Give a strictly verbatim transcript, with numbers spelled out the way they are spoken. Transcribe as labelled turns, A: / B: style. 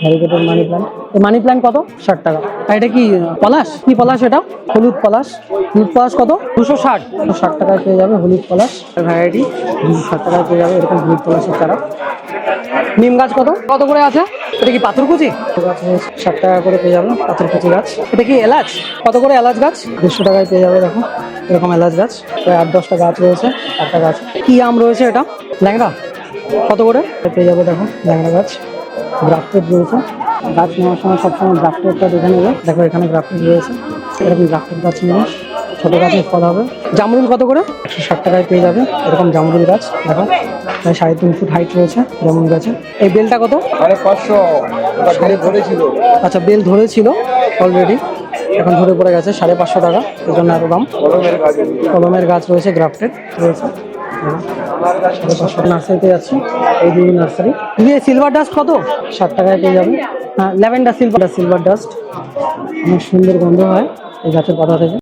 A: Variegated money plant. এই money plant কত? ষাট টাকা। আর এটা কি পলাশ? কি পলাশ এটা? হলুদ পলাশ। হলুদ পলাশ কত? দুশো ষাট। ষাট টাকায় পেয়ে যাবে হলুদ পলাশ ভ্যারাইটি। দুশো ষাট টাকায় পেয়ে যাবে এরকম হলুদ পলাশের চারা। নিম গাছ কত কত করে আছে? এটা কি পাথরকুচি গাছ? ষাট টাকা করে পেয়ে যাবে পাথরকুচি গাছ। এটা কি এলাচ? কত করে এলাচ গাছ? দেড়শো টাকায় পেয়ে যাবে। দেখো এরকম এলাচ গাছ প্রায় আট দশটা গাছ রয়েছে। একটা গাছ কি আম রয়েছে? এটা ল্যাংড়া। কত করে পেয়ে যাবে? দেখো ল্যাংড়া গাছ গ্রাফটেড রয়েছে। গাছ নেওয়ার সময় সবসময় গ্রাফটেডটা দেখে নেবে। দেখো এখানে গ্রাফটেড রয়েছে, এরকম গ্রাফটেড গাছ নেবে। ছোটো গাছে ফল হবে। জামরুল কত করে? একশো ষাট টাকায় পেয়ে যাবে এরকম জামরুল গাছ। দেখো প্রায় সাড়ে তিন ফুট হাইট রয়েছে জামরুল গাছে। এই বেলটা কত?
B: সাড়ে পাঁচশো। ধরেছিল,
A: আচ্ছা বেল ধরেছিল অলরেডি, এখন ধরে পড়ে গেছে। সাড়ে পাঁচশো টাকা, এই জন্য এত দাম।
B: কলমের গাছ।
A: কলমের গাছ রয়েছে, গ্রাফটেড রয়েছে। সাড়ে পাঁচশো। নার্সারিতে যাচ্ছি, এই দুই নার্সারি। দিয়ে সিলভার ডাস্ট কত? ষাট টাকায় পেয়ে যাবে। হ্যাঁ ল্যাভেন্ডার সিলভার সিলভার ডাস্ট অনেক সুন্দর গন্ধ হয় এই গাছের পাতা থেকে।